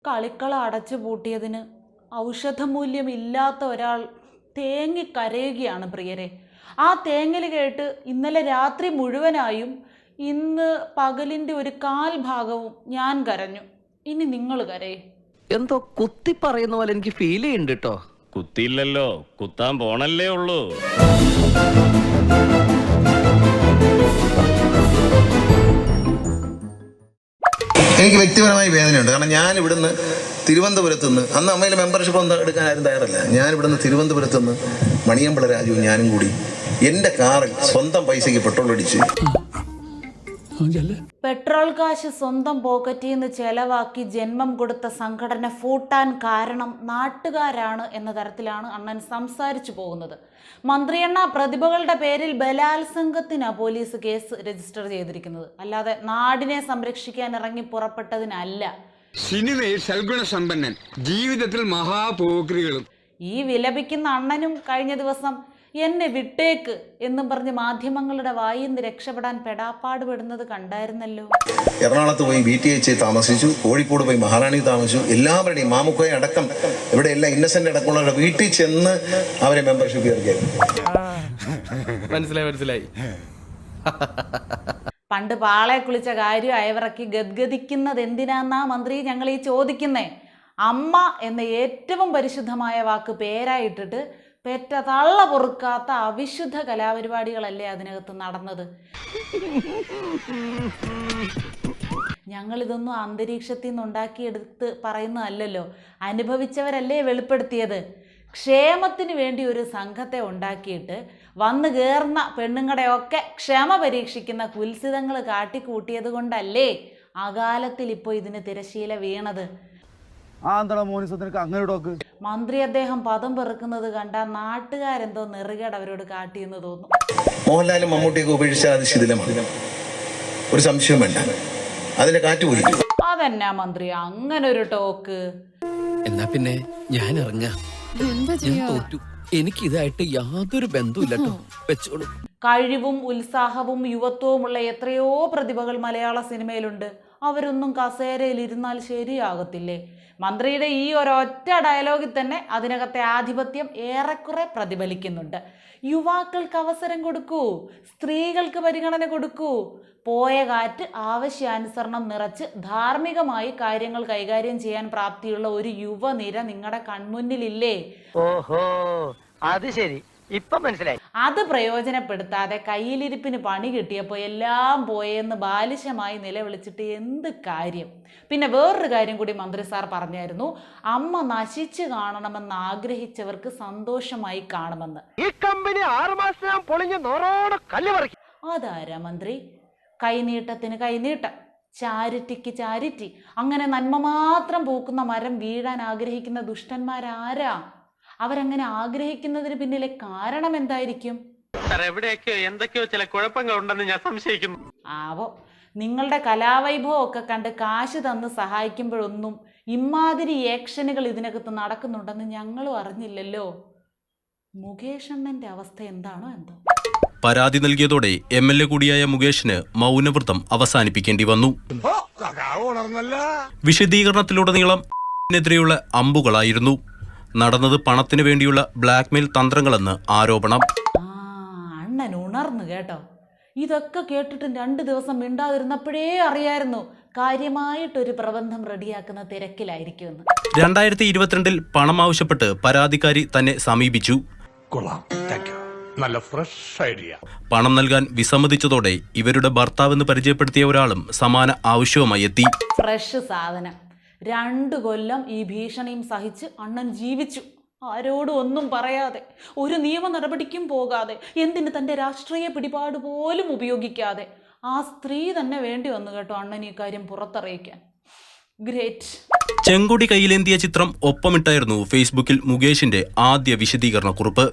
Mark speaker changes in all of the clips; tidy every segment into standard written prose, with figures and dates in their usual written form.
Speaker 1: കളിക്കള അടച്ചു പൂട്ടിയതിന് ഔഷധമൂല്യമില്ലാത്ത ഒരാൾ തേങ്ങിക്കരയുകയാണ് പ്രിയരെ. ആ തേങ്ങൽ കേട്ട് ഇന്നലെ രാത്രി മുഴുവനായും ഇന്ന് പകലിൻ്റെ ഒരു കാൽ ഭാഗവും ഞാൻ കരഞ്ഞു. ഇനി നിങ്ങൾ കരയേ.
Speaker 2: എന്തോ കുത്തി പറയുന്ന പോലെ എനിക്ക് ഫീൽ ചെയ്യുന്നുണ്ട് കേട്ടോ.
Speaker 3: കുത്തിയില്ലല്ലോ, കുത്താൻ പോണല്ലേ ഉള്ളൂ.
Speaker 4: എനിക്ക് വ്യക്തിപരമായി വേദനയുണ്ട്. കാരണം ഞാൻ ഇവിടുന്ന് തിരുവനന്തപുരത്ത് നിന്ന്, അന്ന് അമ്മയിലെ മെമ്പർഷിപ്പ് ഒന്നും എടുക്കാൻ ആരും തയ്യാറല്ല, ഞാൻ ഇവിടുന്ന് തിരുവനന്തപുരത്ത് നിന്ന് മണിയമ്പള രാജുവും ഞാനും കൂടി എൻ്റെ കാറിൽ സ്വന്തം പൈസയ്ക്ക് പെട്രോൾ അടിച്ച്,
Speaker 1: പെട്രോൾ കാശ് സ്വന്തം പോക്കറ്റിൽ നിന്ന് ചെലവാക്കി ജന്മം കൊടുത്ത സംഘടന ഫൂട്ടാൻ കാരണം നാട്ടുകാരാണ് എന്ന തരത്തിലാണ് അണ്ണൻ സംസാരിച്ചു പോകുന്നത്. മന്ത്രിയണ്ണ പ്രതിഭകളുടെ പേരിൽ ബലാത്സംഗത്തിനാണ് പോലീസ് കേസ് രജിസ്റ്റർ ചെയ്തിരിക്കുന്നത്, അല്ലാതെ നാടിനെ സംരക്ഷിക്കാൻ ഇറങ്ങി പുറപ്പെട്ടതിനല്ല.
Speaker 5: സിനിമയിൽ സൽഗുണസമ്പന്നൻ, ജീവിതത്തിൽ മഹാപോക്രികളും.
Speaker 1: ഈ വിലപിക്കുന്ന അണ്ണനും കഴിഞ്ഞ ദിവസം എന്നെ വിട്ടേക്ക് എന്നും പറഞ്ഞ് മാധ്യമങ്ങളുടെ വായിൽ നിന്ന് രക്ഷപ്പെടാൻ പെടാപ്പാട് പെടുന്നത് കണ്ടായിരുന്നല്ലോ.
Speaker 4: എറണാകുളത്ത് പോയി BTH താമസിച്ചു, കോഴിക്കോട് പോയി മഹാറാണി താമസിച്ചു. എല്ലാവരുടെയും മാമുക്കോയെ അടക്കം ഇവിടെ എല്ലാം ഇന്നസെന്റ് അടക്കമുള്ളവരുടെ വീട്ടിൽ ചെന്ന് അവരെ മെമ്പർഷിപ്പ് ചേർക്കായിരുന്നു.
Speaker 2: മനസ്സിലായി.
Speaker 1: പണ്ട് പാളെ കുളിച്ച കാര്യം അയവിറക്കി ഗദ്ഗദിക്കുന്നത് എന്തിനാന്നാ മന്ത്രി ഞങ്ങൾ ഈ ചോദിക്കുന്നേ? അമ്മ എന്ന ഏറ്റവും പരിശുദ്ധമായ വാക്ക് പേരായിട്ടിട്ട് പെറ്റ തള്ള പൊറുക്കാത്ത അവിശുദ്ധ കലാപരിപാടികളല്ലേ അതിനകത്ത് നടന്നത്? ഞങ്ങളിതൊന്നും അന്തരീക്ഷത്തിൽ നിന്ന് ഉണ്ടാക്കിയെടുത്ത് പറയുന്നതല്ലല്ലോ, അനുഭവിച്ചവരല്ലേ വെളിപ്പെടുത്തിയത്. ക്ഷേമത്തിന് വേണ്ടി ഒരു സംഘത്തെ ഉണ്ടാക്കിയിട്ട് വന്നു കയറുന്ന പെണ്ണുങ്ങളുടെയൊക്കെ ക്ഷമ പരീക്ഷിക്കുന്ന കുൽസിതങ്ങൾ കാട്ടിക്കൂട്ടിയത് കൊണ്ടല്ലേ അകാലത്തിൽ ഇപ്പോൾ ഇതിന് തിരശീല വീണത്. മന്ത്രി അദ്ദേഹം പദം പെറുക്കുന്നത് കണ്ടാൽ നാട്ടുകാരെന്തോ നെറുകേട് അവരോട് കാട്ടിയെന്ന് തോന്നും.
Speaker 4: മോഹൻലാലും മമ്മൂട്ടിയൊക്കെ ഉപേക്ഷിച്ചാൽ അത് ശിഥിലമാണ്, ഒരു സംശയം വേണ്ട, അതിന്റെ കാറ്റ് പോയി.
Speaker 1: അതെന്നാ മന്ത്രി അങ്ങനെ ഒരു ടോക്ക്?
Speaker 2: എന്നാ പിന്നെ ഞാൻ ഇറങ്ങാം, ഞാൻ തോറ്റു, എനിക്ക് ഇതായിട്ട് യാതൊരു ബന്ധവുമില്ലട്ടോ, വെച്ചോളൂ.
Speaker 1: കഴിവും ഉത്സാഹവും യുവത്വവുമുള്ള എത്രയോ പ്രതിഭകൾ മലയാള സിനിമയിലുണ്ട്. അവരൊന്നും കസേരയിൽ ഇരുന്നാൽ ശരിയാകത്തില്ലേ? മന്ത്രിയുടെ ഈ ഒരൊറ്റ ഡയലോഗിൽ തന്നെ അതിനകത്തെ ആധിപത്യം ഏറെക്കുറെ പ്രതിഫലിക്കുന്നുണ്ട്. യുവാക്കൾക്ക് അവസരം കൊടുക്കൂ, സ്ത്രീകൾക്ക് പരിഗണന കൊടുക്കൂ, പോയ കാറ്റ് ആവശ്യാനുസരണം നിറച്ച് ധാർമ്മികമായി കാര്യങ്ങൾ കൈകാര്യം ചെയ്യാൻ പ്രാപ്തിയുള്ള ഒരു യുവനിര നിങ്ങളുടെ കൺമുന്നിലില്ലേ?
Speaker 6: ഓഹോ, അത് ശരി, ഇപ്പൊ മനസ്സിലായി.
Speaker 1: അത് പ്രയോജനപ്പെടുത്താതെ കയ്യിലിരിപ്പിന് പണി കിട്ടിയപ്പോൾ എല്ലാം പോയെന്ന് ബാലിശമായി നിലവിളിച്ചിട്ട് എന്ത് കാര്യം? പിന്നെ വേറൊരു കാര്യം കൂടി മന്ത്രി സാർ പറഞ്ഞായിരുന്നു, അമ്മ നശിച്ചു കാണണമെന്ന് ആഗ്രഹിച്ചവർക്ക് സന്തോഷമായി കാണുമെന്ന്.
Speaker 6: ഈ കമ്പനി 6 മാസം പൊളിഞ്ഞ് നോറോടെ കല്ല് പറിക്കും.
Speaker 1: അതാരാ മന്ത്രി? കൈനീട്ടത്തിന് കൈനീട്ടം, ചാരിറ്റിക്ക് ചാരിറ്റി, അങ്ങനെ നന്മ മാത്രം പൂക്കുന്ന മരം വീഴാൻ ആഗ്രഹിക്കുന്ന ദുഷ്ടന്മാരാരാ? അവരങ്ങനെ ആഗ്രഹിക്കുന്നതിന് പിന്നിലെ കാരണം എന്തായിരിക്കും?
Speaker 6: എവിടെയൊക്കെയോ എന്തൊക്കെയോ ചില കുഴപ്പങ്ങൾ ഉണ്ടെന്ന് ഞാൻ സംശയിക്കുന്നു.
Speaker 1: ആവോ, നിങ്ങളുടെ കലാവൈഭവം ഒക്കെ കണ്ട് കാശ് തന്ന് സഹായിക്കുമ്പോഴൊന്നും ഇമാതിരി ആക്ഷനുകൾ ഇതിനകത്ത് നടക്കുന്നുണ്ടെന്ന് ഞങ്ങളും അറിഞ്ഞില്ലല്ലോ. മുകേഷ് അണ്ണന്റെ അവസ്ഥ എന്താണോ എന്തോ.
Speaker 7: പരാതി നൽകിയതോടെ MLA കൂടിയായ മുകേഷിന് മൗനവ്രതം അവസാനിപ്പിക്കേണ്ടി വന്നു. വിശദീകരണത്തിലുടനീളം െതിരെയുള്ള അമ്പുകളായിരുന്നു. നടന്നത് പണത്തിനു വേണ്ടിയുള്ള ബ്ലാക്ക്മെയിൽ തന്ത്രങ്ങളെന്ന് ആരോപണം.
Speaker 1: അണ്ണൻ ഉണർന്നു കേട്ടോ. ഇതൊക്കെ കേട്ടിട്ട് 2 ദിവസം മിണ്ടാതിരുന്നപ്പോഴേ അറിയായിരുന്നു കാര്യമായിട്ടൊരു പ്രബന്ധം റെഡിയാക്കുന്ന തിരക്കിലായിരിക്കുമെന്ന്.
Speaker 7: 2022 പണം ആവശ്യപ്പെട്ട് പരാതിക്കാരി തന്നെ സമീപിച്ചു.
Speaker 8: നല്ല ഫ്രഷ് ഐഡിയ.
Speaker 7: പണം നൽകാൻ വിസമ്മതിച്ചതോടെ ഇവരുടെ ഭർത്താവെന്ന് പരിചയപ്പെടുത്തിയ ഒരാളും സമാന ആവശ്യവുമായി എത്തി.
Speaker 1: ഫ്രഷ് സാധനം. 2 കൊല്ലം ഈ ഭീഷണിയും സഹിച്ച് അണ്ണൻ ജീവിച്ചു. ആരോടും ഒന്നും പറയാതെ, ഒരു നിയമ നടപടിക്കും പോകാതെ, എന്തിന് തൻ്റെ രാഷ്ട്രീയ പിടിപാട് പോലും ഉപയോഗിക്കാതെ. ആ സ്ത്രീ തന്നെ വേണ്ടി വന്നു കേട്ടോ അണ്ണൻ ഈ കാര്യം പുറത്തറിയിക്കാൻ. ഗ്രേറ്റ്.
Speaker 7: ചെങ്കൊടി കയ്യിലേന്തിയ ചിത്രം ഒപ്പമിട്ടായിരുന്നു ഫേസ്ബുക്കിൽ മുകേഷിന്റെ ആദ്യ വിശദീകരണ കുറിപ്പ്.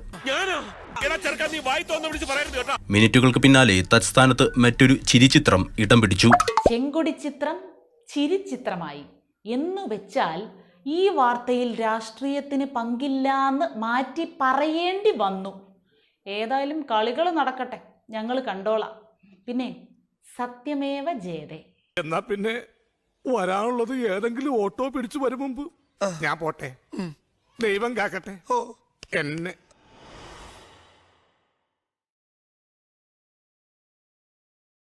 Speaker 7: മിനിറ്റുകൾക്ക് പിന്നാലെ തത്സ്ഥാനത്ത് മറ്റൊരു ചിരിച്ചിത്രം ഇടം പിടിച്ചു.
Speaker 1: ചെങ്കൊടി ചിത്രം ചിരിച്ചിത്രമായി എന്നു വെച്ചാൽ ഈ വാർത്തയിൽ രാഷ്ട്രീയത്തിന് പങ്കില്ലാന്ന് മാറ്റി പറയേണ്ടി വന്നു. ഏതായാലും കളികൾ നടക്കട്ടെ, ഞങ്ങൾ കണ്ടോളാം. പിന്നെ സത്യമേവ ജയതേ.
Speaker 8: എന്നാ പിന്നെ വരാനുള്ളത് ഏതെങ്കിലും ഓട്ടോ പിടിച്ചു വരും മുമ്പ് ഞാൻ പോട്ടെ. ദൈവം കാക്കട്ടെ. എന്നെ